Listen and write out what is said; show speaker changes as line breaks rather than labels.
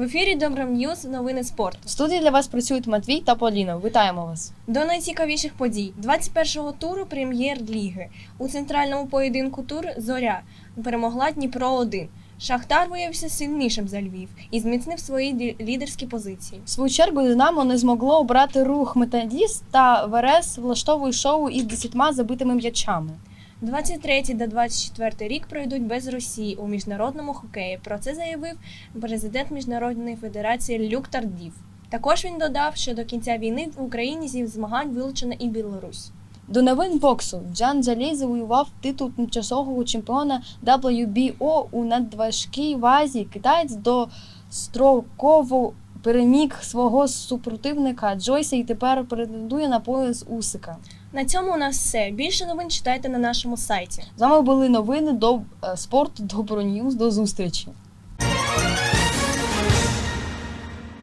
ефірі Доброньюз, новини спорту.
В студії для вас працюють Матвій та Поліна. Вітаємо вас!
До найцікавіших подій 21-го туру Прем'єр-ліги. У центральному поєдинку тур «Зоря» перемогла Дніпро-1. Шахтар виявився сильнішим за Львів і зміцнив свої лідерські позиції.
В свою чергу «Динамо» не змогло обрати рух «Металіст» та «Верес» влаштовує шоу із 10 забитими м'ячами.
23 та 24 рік пройдуть без Росії у міжнародному хокеї. Про це заявив президент Міжнародної федерації Люк Тардів. Також він додав, що до кінця війни в Україні зі змагань вилучена і Білорусь.
До новин боксу. Джан Джалій завоював титул тимчасового чемпіона WBO у надважкій вазі. Китаєць достроково переміг свого супротивника Джойса і тепер претендує на пояс Усика.
На цьому у нас все. Більше новин читайте на нашому сайті.
З вами були новини до спорту Доброньюз. До зустрічі!